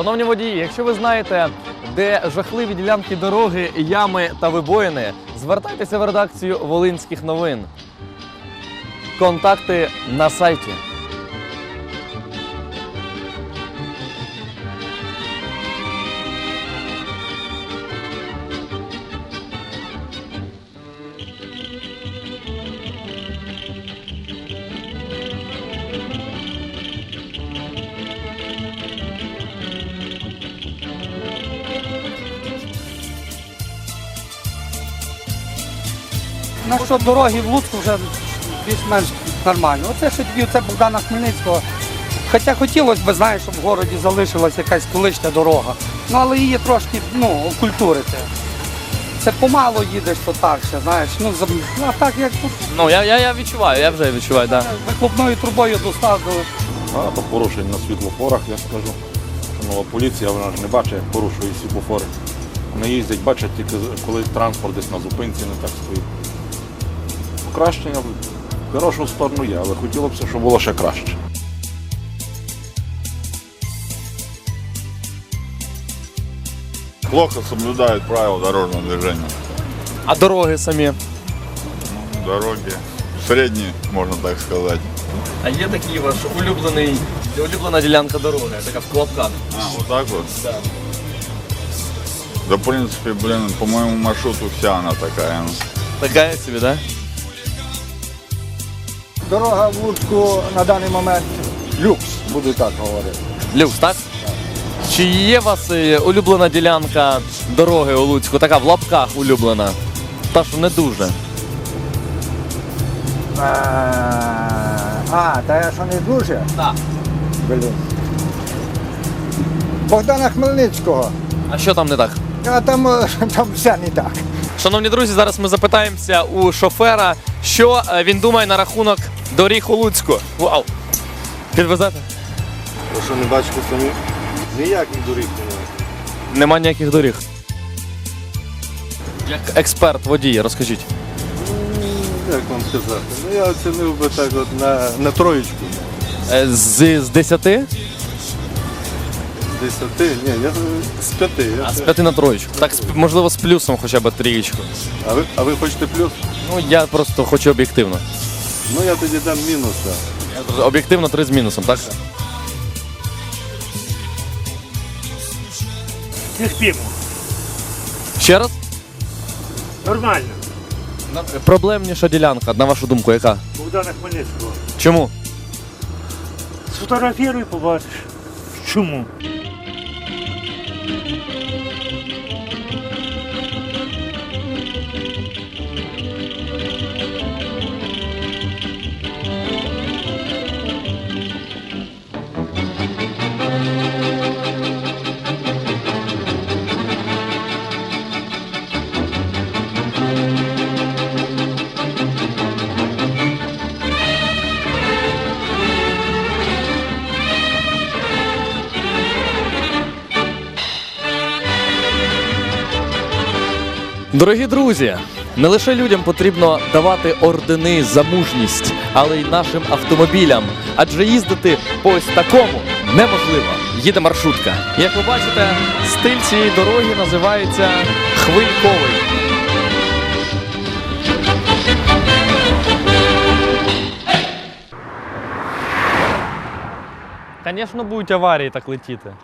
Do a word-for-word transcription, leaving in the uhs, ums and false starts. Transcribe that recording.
Шановні водії, якщо ви знаєте, де жахливі ділянки дороги, ями та вибоїни, звертайтеся в редакцію Волинських новин. Контакти на сайті. На що дороги в Луцьку вже більш-менш нормально. Оце що тільки це Богдана Хмельницького. Хоча хотілося б, знаєш, щоб в городі залишилася якась колишня дорога. Ну, але її трошки, ну, окультурити. Це помало їдеш, то так ще, знаєш. Ну, за- а так як тут Ну, я, я, я відчуваю, я вже відчуваю, так. Да. вихлопною трубою достав до... Багато порушень на світлофорах, я скажу. Що нова поліція, вона ж не бачить, як порушує світлофори. Вони їздять, бачать тільки коли транспорт десь на зупинці не так стоїть. Покращення в хорошу сторону є, але хотілося б, щоб було ще краще. Плохо соблюдают правила дорожного движения. А дороги самі? Дороги средние, можно так сказать. А є такий ваш улюблений, улюблена ділянка дороги, така в клапках? А, вот так вот? Да. Да, в принципе, блин, по моему маршруту вся она такая. Така собі, так? Дорога в Луцьку на даний момент люкс, буду так говорити. Люкс, так? Чи є у вас е, улюблена ділянка дороги у Луцьку, така в лапках улюблена? Та що не дуже. А, а, та я що не дуже? Так. Блін. Богдана Хмельницького. А що там не так? А там, е, там все не так. Шановні друзі, зараз ми запитаємося у шофера, що е, він думає на рахунок доріг у Луцьку. Вау! Підвезете? Ви що, не бачите самі? Ніяких доріг немає. Нема ніяких доріг. Як експерт, водій, розкажіть. Як вам сказати? Ну я оцінив би так от на, на троєчку. Е, З, з десяти? З десяти? Ні, я з п'яти. Я А з це- п'яти на троєчку. Так, з- можливо, з плюсом хоча б трієчку. а, ви, а ви хочете плюс? Ну, я просто хочу об'єктивно. Ну я тоді дам мінус. Так. Об'єктивно три з мінусом, так? Терпимо. Ще раз? Нормально. Проблемніша ділянка, на вашу думку, яка? Богдана Хмельницького. Чому? Сфотографіруй, побачиш. Чому? Дорогі друзі, не лише людям потрібно давати ордени за мужність, але й нашим автомобілям. Адже їздити по ось такому неможливо. Їде маршрутка. Як ви бачите, стиль цієї дороги називається хвильковий. Звісно, будуть аварії так летіти.